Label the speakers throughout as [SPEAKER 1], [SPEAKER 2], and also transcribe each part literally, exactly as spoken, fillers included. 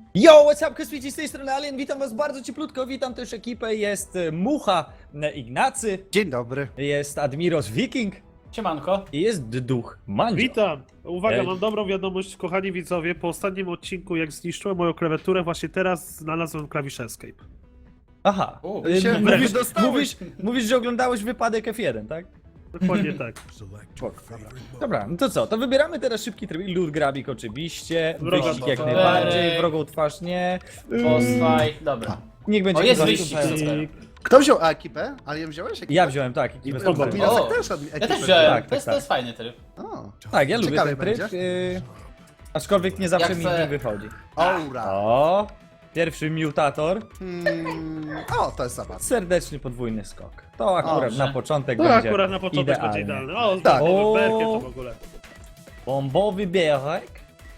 [SPEAKER 1] Yo, what's up, Kosmici, z tej strony Alien, witam was bardzo cieplutko, witam też ekipę, jest e, Mucha, e, Ignacy,
[SPEAKER 2] Dzień dobry.
[SPEAKER 1] jest Admiros Viking
[SPEAKER 3] Siemanko.
[SPEAKER 1] i jest Duch Mandzio.
[SPEAKER 4] Witam! Uwaga,
[SPEAKER 1] Ej.
[SPEAKER 4] mam dobrą wiadomość, kochani widzowie. Po ostatnim odcinku, jak zniszczyłem moją klawiaturę, właśnie teraz znalazłem klawisz Escape.
[SPEAKER 1] Aha,
[SPEAKER 3] U,
[SPEAKER 1] e,
[SPEAKER 2] się
[SPEAKER 1] mówisz,
[SPEAKER 2] dostałeś.
[SPEAKER 1] mówisz, mówisz, że oglądałeś wypadek F jeden, tak?
[SPEAKER 4] Dokładnie tak.
[SPEAKER 1] Dobra, no to co, to wybieramy teraz szybki tryb, loot grabik oczywiście,
[SPEAKER 4] Wroga
[SPEAKER 1] wyścig jak
[SPEAKER 3] twarz.
[SPEAKER 1] najbardziej,
[SPEAKER 3] Ej.
[SPEAKER 1] wrogą twarz nie,
[SPEAKER 3] Posfaj, dobra.
[SPEAKER 1] niech będzie
[SPEAKER 3] O, jest
[SPEAKER 1] chyba-
[SPEAKER 3] wyścig, super.
[SPEAKER 2] Kto wziął ekipę? Alien wziąłeś ekipę?
[SPEAKER 1] Ja wziąłem, tak,
[SPEAKER 2] I
[SPEAKER 1] ekipę
[SPEAKER 4] Dobra.
[SPEAKER 1] spokojnie.
[SPEAKER 2] Mirosek
[SPEAKER 3] O,
[SPEAKER 2] też od- ekipę
[SPEAKER 3] Ja też
[SPEAKER 2] wziął.
[SPEAKER 3] wziąłem,
[SPEAKER 1] Tak,
[SPEAKER 3] to, jest,
[SPEAKER 1] tak,
[SPEAKER 3] to jest fajny tryb.
[SPEAKER 2] O,
[SPEAKER 1] Tak, ja lubię
[SPEAKER 2] Ciekawy
[SPEAKER 1] ten tryb,
[SPEAKER 2] będzie.
[SPEAKER 1] y, aczkolwiek nie zawsze
[SPEAKER 3] Jak
[SPEAKER 1] mi
[SPEAKER 3] chcę-
[SPEAKER 1] z nim wychodzi.
[SPEAKER 2] Aura.
[SPEAKER 1] O, pierwszy mutator.
[SPEAKER 2] Hmm. O, to jest zabawne.
[SPEAKER 1] Serdeczny podwójny skok. To akurat
[SPEAKER 3] Dobrze.
[SPEAKER 1] na początek
[SPEAKER 4] To
[SPEAKER 1] będzie
[SPEAKER 4] akurat na początek
[SPEAKER 1] idealnie.
[SPEAKER 4] będzie idealny. O,
[SPEAKER 2] Tak.
[SPEAKER 4] tak.
[SPEAKER 1] O.
[SPEAKER 4] Berkę to w ogóle.
[SPEAKER 1] Bombowy bierek.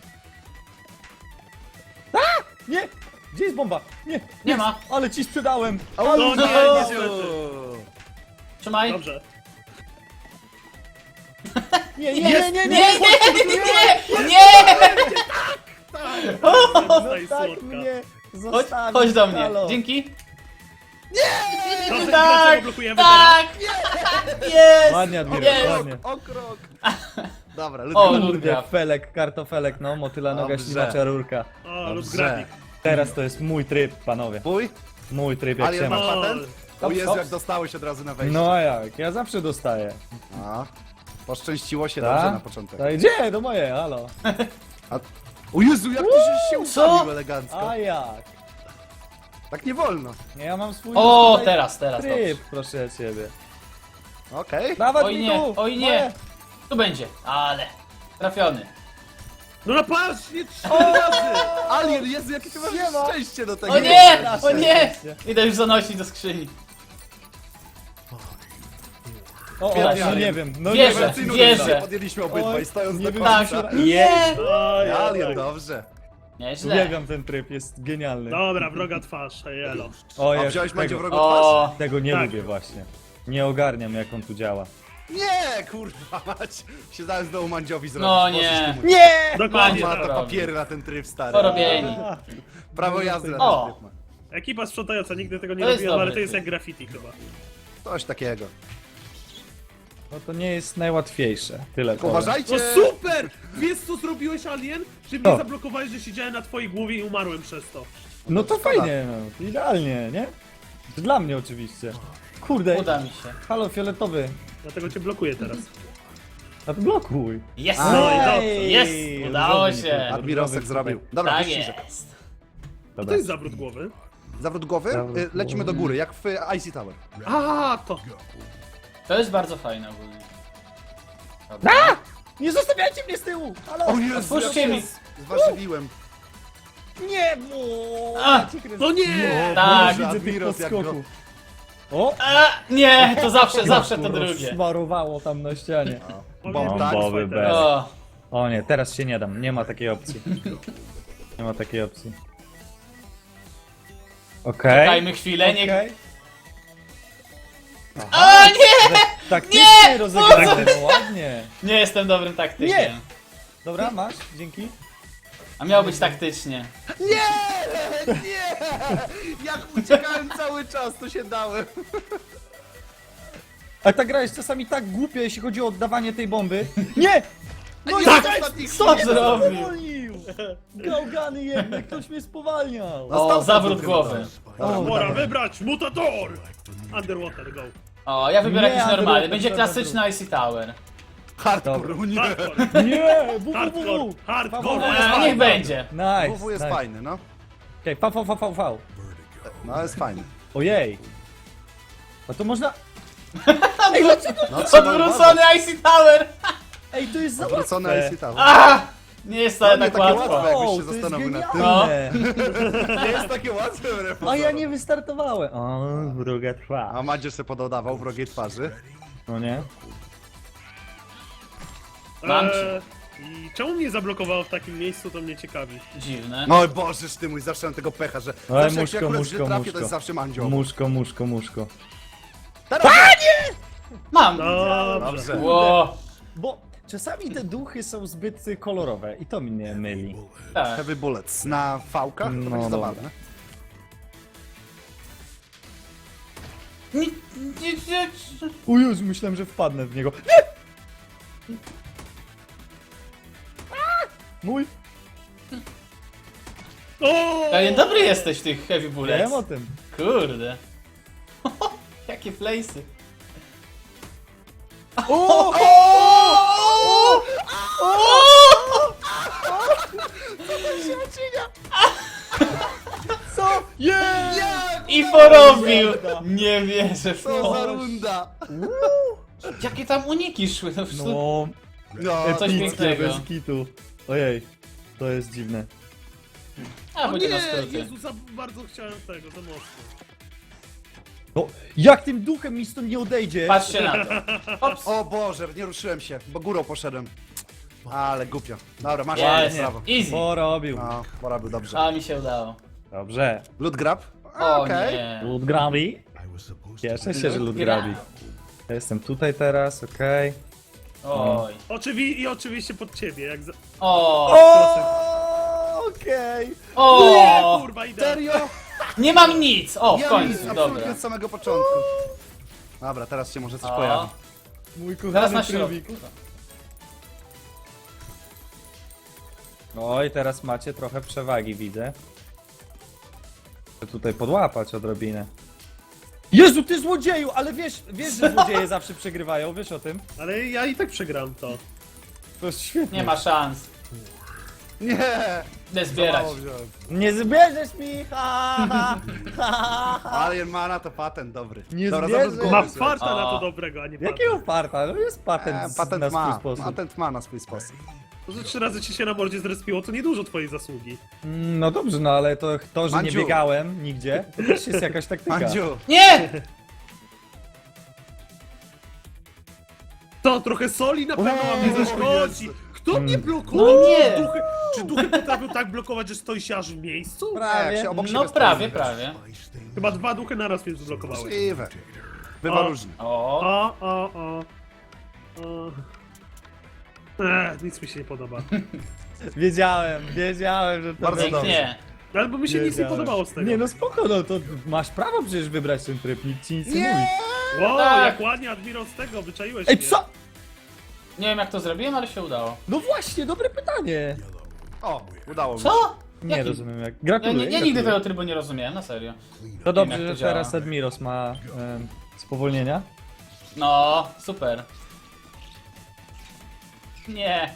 [SPEAKER 1] A! Nie! Gdzie jest bomba? Nie!
[SPEAKER 3] Nie ma.
[SPEAKER 1] Ale ci sprzedałem!
[SPEAKER 2] O,
[SPEAKER 4] No
[SPEAKER 2] nie,
[SPEAKER 4] nie,
[SPEAKER 2] nie,
[SPEAKER 4] niestety.
[SPEAKER 3] Trzymaj.
[SPEAKER 4] Dobrze.
[SPEAKER 1] Nie, nie, nie, nie, nie!
[SPEAKER 3] Nie, nie, nie, nie!
[SPEAKER 4] Zostaj
[SPEAKER 1] Tak
[SPEAKER 4] słodka.
[SPEAKER 1] mnie
[SPEAKER 3] Chodź,
[SPEAKER 1] zostawił,
[SPEAKER 3] chodź do mnie.
[SPEAKER 1] halo.
[SPEAKER 3] Dzięki.
[SPEAKER 4] Dobrze,
[SPEAKER 3] Tak,
[SPEAKER 4] dlaczego blokujemy
[SPEAKER 3] tak! Jest!
[SPEAKER 1] Ładnie, Admiral,
[SPEAKER 3] Jest!
[SPEAKER 1] ładnie.
[SPEAKER 2] O krok. Dobra,
[SPEAKER 3] O,
[SPEAKER 2] Ludwik.
[SPEAKER 3] Ludwik.
[SPEAKER 1] Kurde, felek, kartofelek, no, motyla noga,
[SPEAKER 2] Dobrze.
[SPEAKER 1] ślimacza rurka.
[SPEAKER 4] teraz? O, lub
[SPEAKER 2] Dobrze.
[SPEAKER 4] grafik.
[SPEAKER 1] Teraz to jest mój tryb, panowie.
[SPEAKER 2] Mój?
[SPEAKER 1] Mój tryb, jak
[SPEAKER 2] Alien
[SPEAKER 1] się
[SPEAKER 2] ma
[SPEAKER 1] ma.
[SPEAKER 2] patent? O
[SPEAKER 1] Hops,
[SPEAKER 2] Jezu,
[SPEAKER 1] hops.
[SPEAKER 2] jak dostałeś od razu na wejście.
[SPEAKER 1] No a jak? Ja zawsze dostaję.
[SPEAKER 2] A, poszczęściło się
[SPEAKER 1] Tak?
[SPEAKER 2] dobrze na początek.
[SPEAKER 1] To idzie, do moje, halo.
[SPEAKER 2] A... O Jezu, jak ty żeś się ustawił elegancko.
[SPEAKER 1] A jak?
[SPEAKER 2] Tak nie wolno.
[SPEAKER 1] Nie, ja mam swój
[SPEAKER 3] O,
[SPEAKER 1] tutaj
[SPEAKER 3] teraz, teraz,
[SPEAKER 1] tryb,
[SPEAKER 3] dobrze.
[SPEAKER 1] proszę ciebie.
[SPEAKER 2] Okej.
[SPEAKER 1] Dawać
[SPEAKER 3] Oj
[SPEAKER 1] mi
[SPEAKER 3] nie,
[SPEAKER 1] tu!
[SPEAKER 3] oj nie.
[SPEAKER 1] Moje.
[SPEAKER 3] Tu będzie, ale. Trafiony.
[SPEAKER 4] No na patrz, nie trzy razy!
[SPEAKER 2] Alien, Jezu, jakie ty masz
[SPEAKER 1] Siema.
[SPEAKER 2] szczęście do tego.
[SPEAKER 3] O nie!
[SPEAKER 1] Proszę,
[SPEAKER 3] O nie!
[SPEAKER 1] proszę.
[SPEAKER 3] Idę już zanosić do skrzyni.
[SPEAKER 1] O, o,
[SPEAKER 2] Świetnie,
[SPEAKER 1] no
[SPEAKER 2] Alien.
[SPEAKER 1] nie wiem, no
[SPEAKER 3] Wierzę,
[SPEAKER 1] nie wiem.
[SPEAKER 2] Rewelacyjną
[SPEAKER 3] wierzę.
[SPEAKER 2] decyzję podjęliśmy obydwaj,
[SPEAKER 1] Oj,
[SPEAKER 2] stojąc
[SPEAKER 1] nie
[SPEAKER 2] do
[SPEAKER 1] wiem,
[SPEAKER 2] końca.
[SPEAKER 3] Tak.
[SPEAKER 1] Jest!
[SPEAKER 4] O, ja,
[SPEAKER 2] Alien,
[SPEAKER 4] tak.
[SPEAKER 2] dobrze.
[SPEAKER 3] Nieźle.
[SPEAKER 1] Uwielbiam ten tryb, jest genialny.
[SPEAKER 4] Dobra, wroga twarz, elo.
[SPEAKER 1] O,
[SPEAKER 2] A
[SPEAKER 1] jest,
[SPEAKER 2] wziąłeś będzie
[SPEAKER 1] tego,
[SPEAKER 2] wrogo twarz?
[SPEAKER 3] O,
[SPEAKER 1] tego nie
[SPEAKER 4] Tak.
[SPEAKER 1] lubię właśnie. Nie ogarniam, jak on tu działa.
[SPEAKER 2] Nie, kurwa mać. Się zaraz znowu Mandziowi zrobić.
[SPEAKER 3] No
[SPEAKER 2] Możesz
[SPEAKER 3] nie.
[SPEAKER 2] ty mu-
[SPEAKER 1] Nie!
[SPEAKER 4] Dokładnie
[SPEAKER 2] Ma
[SPEAKER 4] tak.
[SPEAKER 2] to
[SPEAKER 3] robi.
[SPEAKER 2] papiery na ten tryb stary.
[SPEAKER 3] porobieni.
[SPEAKER 2] Prawo jazdy na
[SPEAKER 3] O.
[SPEAKER 2] ten tryb ma.
[SPEAKER 4] Ekipa sprzątająca, nigdy tego nie
[SPEAKER 3] To jest
[SPEAKER 4] robiłem, ale
[SPEAKER 3] dobry
[SPEAKER 4] to jest
[SPEAKER 3] tryb.
[SPEAKER 4] jak graffiti chyba.
[SPEAKER 2] Coś takiego.
[SPEAKER 1] No to nie jest najłatwiejsze. Tyle powiem.
[SPEAKER 2] Uważajcie!
[SPEAKER 4] No super! Wiesz co zrobiłeś, Alien? Że mnie
[SPEAKER 1] Co?
[SPEAKER 4] zablokowałeś, że siedziałem na twojej głowie i umarłem przez to.
[SPEAKER 1] No to
[SPEAKER 2] Szkoda.
[SPEAKER 1] fajnie, no. Idealnie, nie? Dla mnie oczywiście. Kurde,
[SPEAKER 3] Uda mi się.
[SPEAKER 1] halo, fioletowy.
[SPEAKER 4] Dlatego cię blokuję teraz.
[SPEAKER 1] Odblokuj.
[SPEAKER 3] Jest!
[SPEAKER 4] No i dobrze.
[SPEAKER 3] Jest! Udało
[SPEAKER 1] Różowy
[SPEAKER 3] się.
[SPEAKER 1] mi
[SPEAKER 2] Admirosek
[SPEAKER 1] Różowy
[SPEAKER 2] zrobił.
[SPEAKER 1] tutaj.
[SPEAKER 2] Dobra,
[SPEAKER 3] Tak
[SPEAKER 2] wyścig.
[SPEAKER 3] jest.
[SPEAKER 4] To
[SPEAKER 1] Dobra.
[SPEAKER 4] jest zawrót głowy.
[SPEAKER 2] Zawrót głowy?
[SPEAKER 1] Zawrót
[SPEAKER 2] Y, Lecimy do
[SPEAKER 1] głowy.
[SPEAKER 2] góry, jak w I C Tower.
[SPEAKER 4] A, to.
[SPEAKER 3] To jest bardzo fajne ogólnie. Dobra.
[SPEAKER 1] Nie zostawiajcie mnie z tyłu! Halo!
[SPEAKER 2] O Jezu,
[SPEAKER 3] Otwórzcie
[SPEAKER 2] jak się
[SPEAKER 3] mi.
[SPEAKER 2] z- zważywiłem.
[SPEAKER 1] Nie! Mo...
[SPEAKER 3] A!
[SPEAKER 4] No nie!
[SPEAKER 3] Tak.
[SPEAKER 1] Widzę tych
[SPEAKER 2] Admiros, jak
[SPEAKER 1] podskoków. O!
[SPEAKER 3] A, nie, to zawsze, zawsze to
[SPEAKER 1] Kurwa,
[SPEAKER 3] drugie.
[SPEAKER 1] Smarowało tam na ścianie.
[SPEAKER 4] Bombowy
[SPEAKER 1] Bombowy
[SPEAKER 4] teraz.
[SPEAKER 1] bez.
[SPEAKER 3] O,
[SPEAKER 1] O nie, teraz się nie dam. Nie ma takiej opcji. Nie ma takiej opcji. Okej.
[SPEAKER 3] dajmy chwilę, niech...
[SPEAKER 1] Okej.
[SPEAKER 3] A, nie!
[SPEAKER 1] Taktycznie rozegrałem, no ładnie.
[SPEAKER 3] Nie jestem dobrym taktykiem.
[SPEAKER 1] Nie. Dobra, masz, dzięki.
[SPEAKER 3] A miało być taktycznie.
[SPEAKER 2] Nie! Nie! Jak uciekałem cały czas, to się dałem.
[SPEAKER 1] A ta gra jest czasami tak głupia, jeśli chodzi o oddawanie tej bomby. Nie! No i
[SPEAKER 2] Tak,
[SPEAKER 1] tak!
[SPEAKER 2] ostatnich
[SPEAKER 3] Co
[SPEAKER 2] chwil.
[SPEAKER 3] zrobił?
[SPEAKER 1] Spowolnił! Gałgany jednak, ktoś mnie spowalniał.
[SPEAKER 2] No,
[SPEAKER 3] O,
[SPEAKER 2] stał
[SPEAKER 3] zawrót
[SPEAKER 2] sobie
[SPEAKER 3] głowy.
[SPEAKER 1] O,
[SPEAKER 4] Pora
[SPEAKER 1] dobra.
[SPEAKER 4] wybrać mutator! Underwater, go.
[SPEAKER 3] O, ja wybieram
[SPEAKER 1] Nie,
[SPEAKER 3] jakiś
[SPEAKER 1] Andrew,
[SPEAKER 3] normalny.
[SPEAKER 1] to
[SPEAKER 3] Będzie
[SPEAKER 1] trzeba
[SPEAKER 3] klasyczny I C Tower.
[SPEAKER 2] Hardcore, nie.
[SPEAKER 4] Hardcore,
[SPEAKER 1] Nie! W, w,
[SPEAKER 4] hardcore,
[SPEAKER 1] w, w.
[SPEAKER 4] hardcore.
[SPEAKER 3] A, niech będzie.
[SPEAKER 1] Nice,
[SPEAKER 2] W W jest
[SPEAKER 1] nice.
[SPEAKER 2] fajny, no.
[SPEAKER 1] Okej, V, V, V, V, V.
[SPEAKER 2] No, jest fajny.
[SPEAKER 1] Ojej. A to można...
[SPEAKER 2] No, trzeba
[SPEAKER 3] Odwrócony I C Tower!
[SPEAKER 1] Ej, to jest za
[SPEAKER 2] Odwrócony
[SPEAKER 1] łatwe.
[SPEAKER 2] I C Tower.
[SPEAKER 3] A! Nie jest wcale
[SPEAKER 2] No, nie
[SPEAKER 3] tak
[SPEAKER 2] takie
[SPEAKER 3] łatwo.
[SPEAKER 2] łatwe. jakbyś się
[SPEAKER 1] O, to jest
[SPEAKER 2] zastanowił nad tym.
[SPEAKER 1] genialne.
[SPEAKER 2] Nie jest takie łatwe, wbrew
[SPEAKER 1] A
[SPEAKER 2] pozorom.
[SPEAKER 1] ja nie wystartowałem. O, druga trwa.
[SPEAKER 2] A Madzierz sobie pododawał wrogiej twarzy.
[SPEAKER 1] No nie?
[SPEAKER 3] Mam cię.
[SPEAKER 4] Eee, I czemu mnie zablokowało w takim miejscu, to mnie ciekawi.
[SPEAKER 3] Dziwne.
[SPEAKER 2] No bożeż ty mój, zawsze mam tego pecha, że
[SPEAKER 1] Ale
[SPEAKER 2] zawsze jak się
[SPEAKER 1] muszko,
[SPEAKER 2] akurat
[SPEAKER 1] muszko,
[SPEAKER 2] źle trafię,
[SPEAKER 1] muszko.
[SPEAKER 2] to jest zawsze Mandzio.
[SPEAKER 1] Muszko, muszko, muszko.
[SPEAKER 2] Teraz!
[SPEAKER 3] Mam!
[SPEAKER 4] Dobrze.
[SPEAKER 2] Dobrze.
[SPEAKER 3] Ło!
[SPEAKER 1] Bo czasami te duchy są zbyt kolorowe i to mnie myli.
[SPEAKER 3] Tak.
[SPEAKER 2] Heavy Bullets na fałkach? To
[SPEAKER 1] No,
[SPEAKER 2] będzie
[SPEAKER 1] dobra.
[SPEAKER 2] zabawne.
[SPEAKER 3] Nie, nie, nie.
[SPEAKER 1] O Jezu, myślałem, że wpadnę w niego. Nie! A! Mój!
[SPEAKER 4] O!
[SPEAKER 3] Ale dobry jesteś w tych heavy bullets.
[SPEAKER 1] Wiem o tym.
[SPEAKER 3] Kurde. Jakie place'y.
[SPEAKER 1] O! O! Co? Yeah!
[SPEAKER 2] Jak?
[SPEAKER 3] I porobił! Nie wierzę w
[SPEAKER 2] Co za
[SPEAKER 3] to.
[SPEAKER 2] runda!
[SPEAKER 3] Jakie tam uniki szły. No, no.
[SPEAKER 1] No,
[SPEAKER 2] No,
[SPEAKER 3] Coś
[SPEAKER 1] epickie,
[SPEAKER 3] pięknego.
[SPEAKER 1] bez kitu. Ojej, to jest dziwne.
[SPEAKER 3] A,
[SPEAKER 4] O
[SPEAKER 3] będzie na
[SPEAKER 4] nie,
[SPEAKER 3] skróty.
[SPEAKER 4] Jezu, za bardzo chciałem tego, za mocno.
[SPEAKER 1] No, jak tym duchem mi stąd nie odejdzie?
[SPEAKER 3] Patrzcie na to. Ops.
[SPEAKER 2] O Boże, nie ruszyłem się, bo górą poszedłem. Ale głupio. Dobra, masz
[SPEAKER 3] Jest.
[SPEAKER 2] prawo.
[SPEAKER 3] Easy.
[SPEAKER 1] Porobił.
[SPEAKER 2] No, pora był dobrze.
[SPEAKER 3] A mi się udało.
[SPEAKER 1] Dobrze.
[SPEAKER 2] Loot grab?
[SPEAKER 3] O
[SPEAKER 2] Okej.
[SPEAKER 3] nie.
[SPEAKER 1] Loot grabi. Cieszę się, że loot grabi. Ja jestem tutaj teraz, okej.
[SPEAKER 3] Oj.
[SPEAKER 4] Oczywi I oczywiście pod ciebie, jak za...
[SPEAKER 3] O.
[SPEAKER 1] O, okej.
[SPEAKER 4] Nie,
[SPEAKER 3] O.
[SPEAKER 4] kurwa, idę.
[SPEAKER 2] Serio?
[SPEAKER 3] Nie mam nic. O, w
[SPEAKER 2] Ja nic,
[SPEAKER 3] końcu.
[SPEAKER 2] absolutnie
[SPEAKER 3] Dobra.
[SPEAKER 2] od samego początku. Dobra, teraz się może coś
[SPEAKER 3] O.
[SPEAKER 2] pojawi.
[SPEAKER 1] Mój
[SPEAKER 3] Teraz
[SPEAKER 1] kochany
[SPEAKER 3] na
[SPEAKER 1] trybik.
[SPEAKER 3] środku.
[SPEAKER 1] Oj, teraz macie trochę przewagi, widzę. Chcę tutaj podłapać odrobinę. Jezu, ty złodzieju! Ale wiesz, wiesz, że złodzieje zawsze przegrywają, wiesz o tym?
[SPEAKER 4] Ale ja i tak przegram to.
[SPEAKER 1] To jest świetnie.
[SPEAKER 3] Nie ma szans.
[SPEAKER 2] Nie!
[SPEAKER 3] Idę zbierać.
[SPEAKER 2] Mało wziąłem.
[SPEAKER 1] Nie zbierzesz mi! Ha, ha, ha, ha.
[SPEAKER 2] Alien Mana to patent dobry.
[SPEAKER 1] Nie
[SPEAKER 2] Dobra,
[SPEAKER 1] zbierze.
[SPEAKER 2] zawrót głowy,
[SPEAKER 4] Ma
[SPEAKER 2] słuchaj.
[SPEAKER 4] farta na
[SPEAKER 3] O.
[SPEAKER 4] to dobrego, a nie
[SPEAKER 1] Jakiego parta? No jest patent,
[SPEAKER 2] E,
[SPEAKER 1] z-
[SPEAKER 2] patent
[SPEAKER 1] na swój
[SPEAKER 2] ma,
[SPEAKER 1] sposób.
[SPEAKER 2] patent ma na swój sposób.
[SPEAKER 4] To, że trzy razy ci się na mordzie zrespiło, to niedużo twojej zasługi.
[SPEAKER 1] Mm, No dobrze, no ale to, to że nie
[SPEAKER 2] Mandziu.
[SPEAKER 1] biegałem nigdzie, to też jest jakaś taktyka.
[SPEAKER 2] Mandziu,
[SPEAKER 3] Nie!
[SPEAKER 4] To trochę soli na pewno wam nie
[SPEAKER 2] O,
[SPEAKER 4] zaszkodzi.
[SPEAKER 2] Jezu.
[SPEAKER 4] Kto mnie
[SPEAKER 1] Mm.
[SPEAKER 4] blokował?
[SPEAKER 3] No nie.
[SPEAKER 4] Duchy, czy duchy potrafią tak blokować, że stoisz aż w miejscu?
[SPEAKER 2] jak
[SPEAKER 1] Prawie.
[SPEAKER 2] się obok
[SPEAKER 3] No
[SPEAKER 2] siebie
[SPEAKER 3] prawie,
[SPEAKER 2] stoimy.
[SPEAKER 3] prawie.
[SPEAKER 4] Chyba dwa duchy naraz mnie zblokowały.
[SPEAKER 2] Możliwe. Bywa
[SPEAKER 4] O.
[SPEAKER 2] różnie.
[SPEAKER 3] O.
[SPEAKER 4] O, o, o. o. Eee, nic mi się nie podoba.
[SPEAKER 1] Wiedziałem, wiedziałem, że to
[SPEAKER 2] Bardzo
[SPEAKER 1] będzie.
[SPEAKER 3] Pięknie.
[SPEAKER 4] Albo mi się nic nie
[SPEAKER 1] Wiedziałem.
[SPEAKER 4] podobało z tego.
[SPEAKER 1] Nie no spoko, no to masz prawo przecież wybrać ten tryb, nikt ci nic nie,
[SPEAKER 2] Nie!
[SPEAKER 1] mówi.
[SPEAKER 4] Wow,
[SPEAKER 3] Tak.
[SPEAKER 4] jak ładnie Admiral z tego, wyczaiłeś
[SPEAKER 1] Ej,
[SPEAKER 4] mnie.
[SPEAKER 1] co?
[SPEAKER 3] Nie wiem jak to zrobiłem, ale się udało.
[SPEAKER 1] No właśnie, dobre pytanie.
[SPEAKER 2] O, udało mi się.
[SPEAKER 3] Co?
[SPEAKER 1] Nie
[SPEAKER 3] Jaki?
[SPEAKER 1] rozumiem jak.
[SPEAKER 3] Ja,
[SPEAKER 1] Gratuluję.
[SPEAKER 3] nie, ja
[SPEAKER 1] gratuluję.
[SPEAKER 3] nigdy tego trybu nie rozumiałem, na serio.
[SPEAKER 1] To dobrze,
[SPEAKER 3] wiem, jak
[SPEAKER 1] że
[SPEAKER 3] to
[SPEAKER 1] teraz
[SPEAKER 3] działa.
[SPEAKER 1] Admiros ma em, spowolnienia.
[SPEAKER 3] No, super. Nie.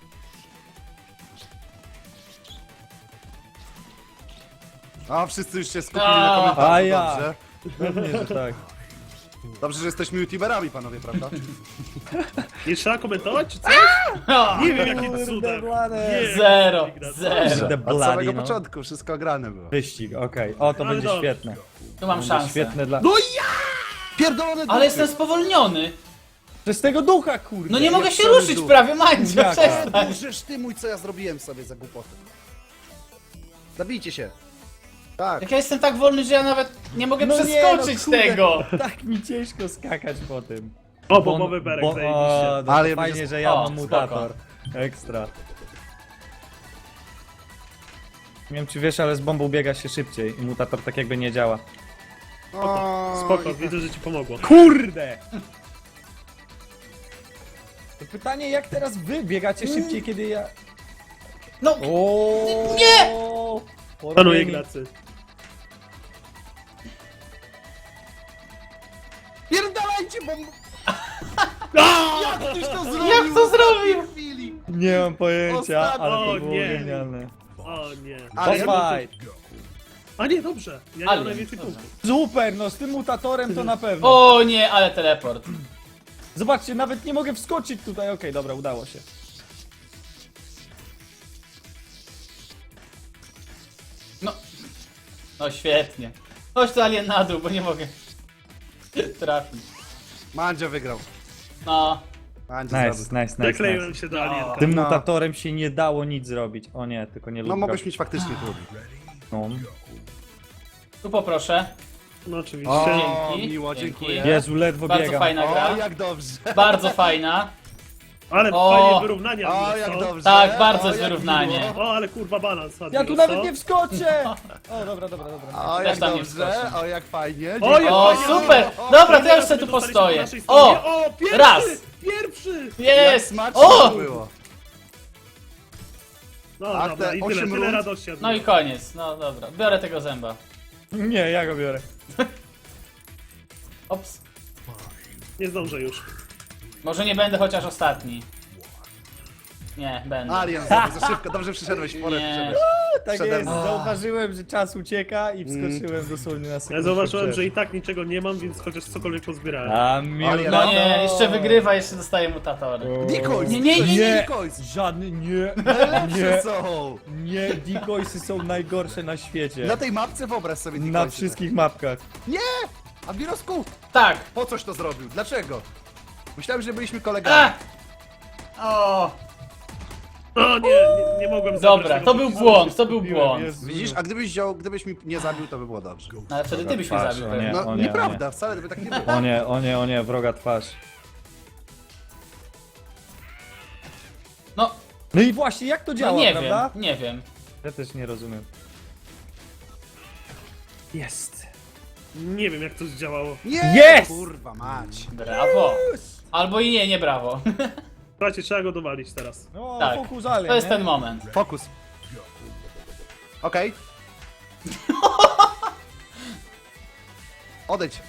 [SPEAKER 2] A, wszyscy już się skupili
[SPEAKER 3] A.
[SPEAKER 2] na komentarzu,
[SPEAKER 1] A ja.
[SPEAKER 2] dobrze.
[SPEAKER 1] Pewnie, że tak.
[SPEAKER 2] Dobrze, że jesteśmy youtuberami, panowie, prawda?
[SPEAKER 4] Nie trzeba komentować, czy coś?
[SPEAKER 3] O,
[SPEAKER 4] Nie wiem, jakim
[SPEAKER 1] Kurde,
[SPEAKER 4] cudem.
[SPEAKER 1] blade.
[SPEAKER 4] Nie,
[SPEAKER 3] Zero,
[SPEAKER 4] jak to gra.
[SPEAKER 3] zero.
[SPEAKER 1] The
[SPEAKER 2] Od
[SPEAKER 1] bloody,
[SPEAKER 2] samego
[SPEAKER 1] no.
[SPEAKER 2] początku wszystko grane było.
[SPEAKER 1] Wyścig, okej. O, to
[SPEAKER 4] Ale
[SPEAKER 1] będzie
[SPEAKER 4] dobrze.
[SPEAKER 1] świetne.
[SPEAKER 3] Tu mam
[SPEAKER 1] Będzie
[SPEAKER 3] szansę.
[SPEAKER 1] świetne dla...
[SPEAKER 2] No i ja! Pierdolone
[SPEAKER 3] Ale jestem spowolniony.
[SPEAKER 1] Przez tego ducha, kurde.
[SPEAKER 3] No nie mogę
[SPEAKER 2] jak
[SPEAKER 3] się
[SPEAKER 2] cały
[SPEAKER 3] ruszyć
[SPEAKER 2] duch.
[SPEAKER 3] prawie, Mandzio,
[SPEAKER 1] Jak?
[SPEAKER 3] przestań.
[SPEAKER 2] Możesz ty mój, co ja zrobiłem sobie za głupotę. Zabijcie się. Tak.
[SPEAKER 3] Jak ja jestem tak wolny, że ja nawet nie mogę
[SPEAKER 1] No nie,
[SPEAKER 3] przeskoczyć
[SPEAKER 1] no kurde,
[SPEAKER 3] tego.
[SPEAKER 1] Tak mi ciężko skakać po tym.
[SPEAKER 4] O, bombowy berek,
[SPEAKER 1] bo,
[SPEAKER 4] zajebiście.
[SPEAKER 1] o, no
[SPEAKER 2] Ale
[SPEAKER 1] to
[SPEAKER 2] będzie
[SPEAKER 1] fajnie,
[SPEAKER 2] sp-
[SPEAKER 1] że ja
[SPEAKER 3] o,
[SPEAKER 1] mam
[SPEAKER 3] spoko.
[SPEAKER 1] mutator. Ekstra. Nie wiem czy wiesz, ale z bombą biega się szybciej i mutator tak jakby nie działa.
[SPEAKER 2] O,
[SPEAKER 4] Spoko,
[SPEAKER 2] i-
[SPEAKER 4] widzę, że ci pomogło.
[SPEAKER 1] Kurde! To pytanie, jak teraz wy biegacie szybciej, kiedy ja...
[SPEAKER 3] No,
[SPEAKER 1] O,
[SPEAKER 3] Nie!
[SPEAKER 4] Panuję Ignacy.
[SPEAKER 2] Pierdalajcie, bo... Jak ktoś to zrobił?
[SPEAKER 3] jak to zrobił?
[SPEAKER 2] W chwili.
[SPEAKER 1] Nie mam pojęcia,
[SPEAKER 2] Ostatnio-
[SPEAKER 1] ale
[SPEAKER 4] O,
[SPEAKER 1] to było
[SPEAKER 4] nie.
[SPEAKER 1] genialne.
[SPEAKER 4] O nie.
[SPEAKER 2] Ale
[SPEAKER 1] Boss
[SPEAKER 2] ja-
[SPEAKER 1] fight!
[SPEAKER 4] A nie, dobrze. Ja nie
[SPEAKER 3] Ale-
[SPEAKER 4] mam najwięcej
[SPEAKER 3] dobrze.
[SPEAKER 4] punktów.
[SPEAKER 1] Super, no z tym mutatorem to na pewno.
[SPEAKER 3] O nie, ale teleport.
[SPEAKER 1] Zobaczcie, nawet nie mogę wskoczyć tutaj. Okej, dobra, udało się.
[SPEAKER 3] No. No świetnie. Chodź tu alien na dół, bo nie mogę trafić.
[SPEAKER 2] Mandzio wygrał.
[SPEAKER 3] No.
[SPEAKER 2] Mandzio
[SPEAKER 1] Nice,
[SPEAKER 2] zrobił.
[SPEAKER 1] nice, nice,
[SPEAKER 4] Zakleiłem
[SPEAKER 1] nice.
[SPEAKER 4] się do
[SPEAKER 3] No.
[SPEAKER 4] alienka.
[SPEAKER 1] Tym
[SPEAKER 2] No.
[SPEAKER 1] mutatorem się nie dało nic zrobić. O nie, tylko nie
[SPEAKER 2] No
[SPEAKER 1] lubię.
[SPEAKER 2] mogłeś mieć faktycznie trudno.
[SPEAKER 1] No.
[SPEAKER 3] Tu poproszę.
[SPEAKER 4] No oczywiście.
[SPEAKER 2] O,
[SPEAKER 3] Dzięki.
[SPEAKER 2] miło,
[SPEAKER 3] Dzięki.
[SPEAKER 2] dziękuję.
[SPEAKER 1] Jezu, ledwo
[SPEAKER 3] Bardzo
[SPEAKER 1] biegam.
[SPEAKER 3] fajna
[SPEAKER 2] O,
[SPEAKER 3] gra.
[SPEAKER 2] jak dobrze.
[SPEAKER 3] Bardzo fajna.
[SPEAKER 4] Ale
[SPEAKER 3] O!
[SPEAKER 4] fajnie wyrównania.
[SPEAKER 2] O,
[SPEAKER 4] Admiros,
[SPEAKER 2] jak
[SPEAKER 4] co?
[SPEAKER 2] dobrze.
[SPEAKER 3] Tak, bardzo
[SPEAKER 2] o,
[SPEAKER 3] jest
[SPEAKER 2] jak
[SPEAKER 3] wyrównanie.
[SPEAKER 2] miło.
[SPEAKER 4] O, ale kurwa balans.
[SPEAKER 1] Ja
[SPEAKER 4] Admiros,
[SPEAKER 1] tu nawet
[SPEAKER 4] co?
[SPEAKER 1] nie wskoczę! O, dobra, dobra, dobra.
[SPEAKER 2] O,
[SPEAKER 3] Też
[SPEAKER 2] jak
[SPEAKER 3] tam nie
[SPEAKER 2] dobrze,
[SPEAKER 3] wskoczę.
[SPEAKER 2] o, jak fajnie.
[SPEAKER 4] O, jak
[SPEAKER 3] O,
[SPEAKER 4] fajnie.
[SPEAKER 3] super!
[SPEAKER 2] O,
[SPEAKER 3] Dobra, to ja już
[SPEAKER 4] Teraz
[SPEAKER 3] sobie tu
[SPEAKER 4] my dostaliśmy po
[SPEAKER 3] postoję.
[SPEAKER 4] naszej stronie.
[SPEAKER 3] O!
[SPEAKER 4] O, pierwszy!
[SPEAKER 3] Raz!
[SPEAKER 4] Pierwszy!
[SPEAKER 2] Jak
[SPEAKER 3] Jest!
[SPEAKER 2] smacznie
[SPEAKER 3] O!
[SPEAKER 2] to było.
[SPEAKER 4] No
[SPEAKER 2] Ach,
[SPEAKER 4] dobra,
[SPEAKER 2] te
[SPEAKER 4] i tyle,
[SPEAKER 2] osiem
[SPEAKER 4] tyle
[SPEAKER 2] rund.
[SPEAKER 4] radości.
[SPEAKER 3] No i
[SPEAKER 4] Admiros.
[SPEAKER 3] koniec, no dobra. Biorę tego zęba.
[SPEAKER 1] Nie, ja go biorę.
[SPEAKER 3] Ops.
[SPEAKER 4] Nie zdążę już.
[SPEAKER 3] Może nie będę chociaż ostatni. Nie, będę.
[SPEAKER 2] Alien, za za szybko, dobrze przyszedłeś, w porę
[SPEAKER 3] Nie.
[SPEAKER 2] przyszedłeś.
[SPEAKER 1] Tak
[SPEAKER 2] Przede
[SPEAKER 1] jest,
[SPEAKER 2] mną.
[SPEAKER 1] zauważyłem, że czas ucieka i wskoczyłem dosłownie na sekundę.
[SPEAKER 4] Ja zauważyłem,
[SPEAKER 1] przed.
[SPEAKER 4] że i tak niczego nie mam, więc chociaż cokolwiek pozbierałem.
[SPEAKER 1] A miód
[SPEAKER 2] Ale
[SPEAKER 3] No
[SPEAKER 1] na
[SPEAKER 3] nie,
[SPEAKER 1] to.
[SPEAKER 3] jeszcze wygrywa, jeszcze dostaje mutatory.
[SPEAKER 2] Decoys!
[SPEAKER 3] Nie, nie, nie,
[SPEAKER 2] nie,
[SPEAKER 1] nie.
[SPEAKER 2] Decoys!
[SPEAKER 1] Żadny, nie,
[SPEAKER 2] Najlepsze
[SPEAKER 1] nie,
[SPEAKER 2] są!
[SPEAKER 1] nie, decoysy są najgorsze na świecie.
[SPEAKER 2] Na tej mapce wyobraź sobie decoysy.
[SPEAKER 1] Na wszystkich mapkach.
[SPEAKER 2] Nie! Admirosku,
[SPEAKER 3] Tak!
[SPEAKER 2] po coś to zrobił? Dlaczego? Myślałem, że byliśmy
[SPEAKER 3] A!
[SPEAKER 2] kolegami.
[SPEAKER 3] O!
[SPEAKER 4] O nie, nie, nie mogłem zabrać
[SPEAKER 3] Dobra,
[SPEAKER 4] tego
[SPEAKER 3] to był
[SPEAKER 4] podpisu.
[SPEAKER 3] błąd, to był
[SPEAKER 1] Kupiłem,
[SPEAKER 3] błąd.
[SPEAKER 1] Jezu.
[SPEAKER 2] Widzisz, a gdybyś wziął, gdybyś mi nie zabił, to by było dobrze.
[SPEAKER 3] No, ale wtedy ty byś mnie
[SPEAKER 1] Patrz,
[SPEAKER 3] zabił
[SPEAKER 1] o nie.
[SPEAKER 3] pewnie.
[SPEAKER 2] No,
[SPEAKER 1] o nie,
[SPEAKER 2] nieprawda,
[SPEAKER 1] o nie.
[SPEAKER 2] wcale by tak nie było.
[SPEAKER 1] O nie, o nie, o nie, wroga twarz.
[SPEAKER 3] No,
[SPEAKER 1] No i właśnie, jak to działa,
[SPEAKER 3] no nie
[SPEAKER 1] prawda?
[SPEAKER 3] wiem, nie wiem.
[SPEAKER 1] Ja też nie rozumiem. Jest.
[SPEAKER 4] Nie wiem jak to zdziałało.
[SPEAKER 2] Nie!
[SPEAKER 1] Jest!
[SPEAKER 2] Kurwa mać.
[SPEAKER 3] Brawo. Albo i nie, nie brawo.
[SPEAKER 4] Słuchajcie, trzeba go dowalić teraz.
[SPEAKER 1] No,
[SPEAKER 3] Tak,
[SPEAKER 1] fokus alien,
[SPEAKER 3] To jest
[SPEAKER 1] nie?
[SPEAKER 3] ten moment.
[SPEAKER 2] Fokus. Okej. Odejdź.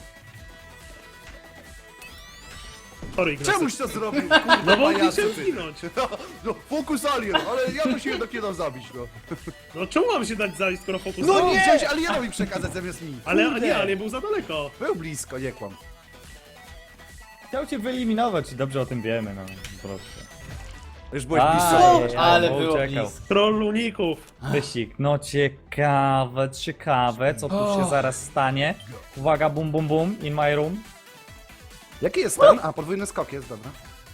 [SPEAKER 4] Sorry, Ignacy.
[SPEAKER 2] Czemuś to zrobił? Kurwa,
[SPEAKER 4] No bo
[SPEAKER 2] pajacu,
[SPEAKER 4] chciałem
[SPEAKER 2] ty.
[SPEAKER 4] zginąć.
[SPEAKER 2] No, no, fokus alien, ale ja to się jednak nie dam zabić, no.
[SPEAKER 4] No czemu mam się dać zalić, skoro fokus...
[SPEAKER 2] No
[SPEAKER 4] O,
[SPEAKER 2] nie! Chciałeś alienowi przekazać zamiast mi.
[SPEAKER 4] Ale
[SPEAKER 1] Kurde.
[SPEAKER 4] nie, ale nie był za daleko.
[SPEAKER 2] Był blisko, nie kłam.
[SPEAKER 1] Chciał cię wyeliminować i dobrze o tym wiemy, no. Proszę.
[SPEAKER 2] Już byłeś
[SPEAKER 1] Aj,
[SPEAKER 2] blisko.
[SPEAKER 1] aj, aj,
[SPEAKER 3] Ale
[SPEAKER 1] bo
[SPEAKER 3] było
[SPEAKER 1] uciekał.
[SPEAKER 3] blisko.
[SPEAKER 4] Troll uników.
[SPEAKER 1] Wyścig. No ciekawe, ciekawe, co tu się
[SPEAKER 3] O.
[SPEAKER 1] zaraz stanie. Uwaga, bum bum bum, in my room.
[SPEAKER 2] Jaki jest ten? A, podwójny skok jest, dobra.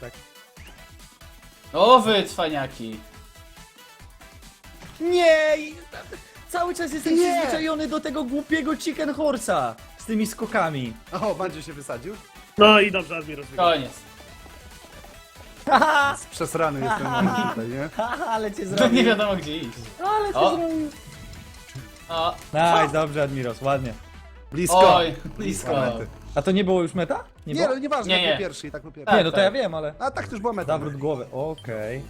[SPEAKER 3] O wy, cwaniaki.
[SPEAKER 1] Nie! i- Cały czas jestem
[SPEAKER 2] Nie.
[SPEAKER 1] przyzwyczajony do tego głupiego chicken horse'a z tymi skokami.
[SPEAKER 2] O, Bandzie się wysadził.
[SPEAKER 4] No i dobrze, Admiros wygrał.
[SPEAKER 3] Koniec.
[SPEAKER 1] Haha,
[SPEAKER 2] Przesrany jest ten moment tutaj, nie?
[SPEAKER 1] haha, ale cię
[SPEAKER 3] To nie
[SPEAKER 1] zrobił.
[SPEAKER 3] wiadomo gdzie iść.
[SPEAKER 1] Ale cię
[SPEAKER 3] O.
[SPEAKER 1] zrobił.
[SPEAKER 3] O,
[SPEAKER 1] Nice, dobrze Admiros, ładnie.
[SPEAKER 2] Blisko.
[SPEAKER 3] oj, blisko.
[SPEAKER 2] Mety.
[SPEAKER 1] A to nie było już meta? Nie,
[SPEAKER 2] Nie,
[SPEAKER 1] było?
[SPEAKER 2] no nieważne,
[SPEAKER 3] Nie,
[SPEAKER 2] jak
[SPEAKER 3] nie.
[SPEAKER 2] był pierwszy i tak był pierwszy.
[SPEAKER 3] Tak.
[SPEAKER 1] Nie, no to ja wiem, ale...
[SPEAKER 2] A tak też była meta.
[SPEAKER 1] Zawrót głowy, okej.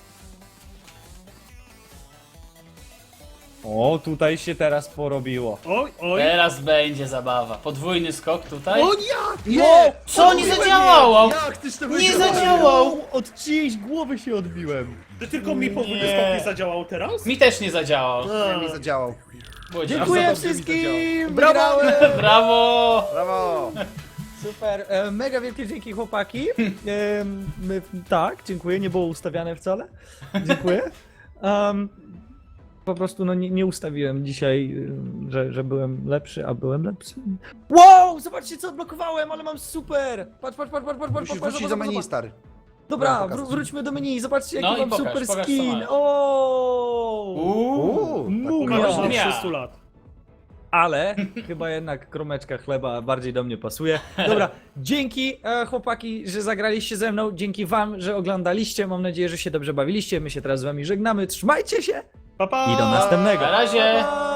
[SPEAKER 1] O, tutaj się teraz porobiło.
[SPEAKER 4] Oj, oj.
[SPEAKER 3] Teraz będzie zabawa. Podwójny skok tutaj.
[SPEAKER 2] O nie!
[SPEAKER 1] No,
[SPEAKER 2] Nie!
[SPEAKER 3] Co nie
[SPEAKER 2] Odbiłem
[SPEAKER 3] zadziałało?
[SPEAKER 2] je! Jak tyś to
[SPEAKER 3] Nie
[SPEAKER 2] wygrał?
[SPEAKER 3] zadziałał!
[SPEAKER 1] Od czyjejś głowy się odbiłem.
[SPEAKER 4] Ty tylko mi podwójny
[SPEAKER 3] Nie.
[SPEAKER 4] skok nie zadziałał teraz?
[SPEAKER 3] Mi też nie zadziałało.
[SPEAKER 2] Nie,
[SPEAKER 4] A,
[SPEAKER 2] mi zadziałał.
[SPEAKER 3] Było
[SPEAKER 1] Dziękuję
[SPEAKER 2] dobrze mi
[SPEAKER 1] wszystkim!
[SPEAKER 2] Brawo!
[SPEAKER 1] Wygrałem!
[SPEAKER 3] Brawo!
[SPEAKER 2] Brawo!
[SPEAKER 1] Super, e, mega wielkie dzięki chłopaki. E, my, tak, dziękuję, nie było ustawiane wcale. Dziękuję. Um, po prostu no, nie, nie ustawiłem dzisiaj, y, że, że byłem lepszy, a byłem lepszy. Wow, zobaczcie co odblokowałem, ale mam super! Patrz, patrz, patrz, patrz, patrz, patrz,
[SPEAKER 2] Musisz
[SPEAKER 1] patrz,
[SPEAKER 2] wrócić
[SPEAKER 1] zobacz,
[SPEAKER 2] do menu,
[SPEAKER 1] zobacz.
[SPEAKER 2] stary.
[SPEAKER 1] Dobra,
[SPEAKER 2] Chciałem pokazać.
[SPEAKER 1] wró- wróćmy do menu, zobaczcie jaki
[SPEAKER 3] No i
[SPEAKER 1] mam
[SPEAKER 3] pokaż,
[SPEAKER 1] super
[SPEAKER 3] pokaż, co
[SPEAKER 1] skin.
[SPEAKER 3] masz.
[SPEAKER 1] O!
[SPEAKER 3] Uuu.
[SPEAKER 2] tak
[SPEAKER 1] Mumia.
[SPEAKER 4] Umarł
[SPEAKER 2] pokażę.
[SPEAKER 4] na
[SPEAKER 3] Ja.
[SPEAKER 4] trzysta lat.
[SPEAKER 1] Ale chyba jednak kromeczka chleba bardziej do mnie pasuje. Dobra, dzięki e, chłopaki, że zagraliście ze mną. Dzięki wam, że oglądaliście. Mam nadzieję, że się dobrze bawiliście. My się teraz z wami żegnamy. Trzymajcie się
[SPEAKER 4] Pa, pa.
[SPEAKER 1] i do następnego.
[SPEAKER 3] Na razie.
[SPEAKER 1] Pa, pa.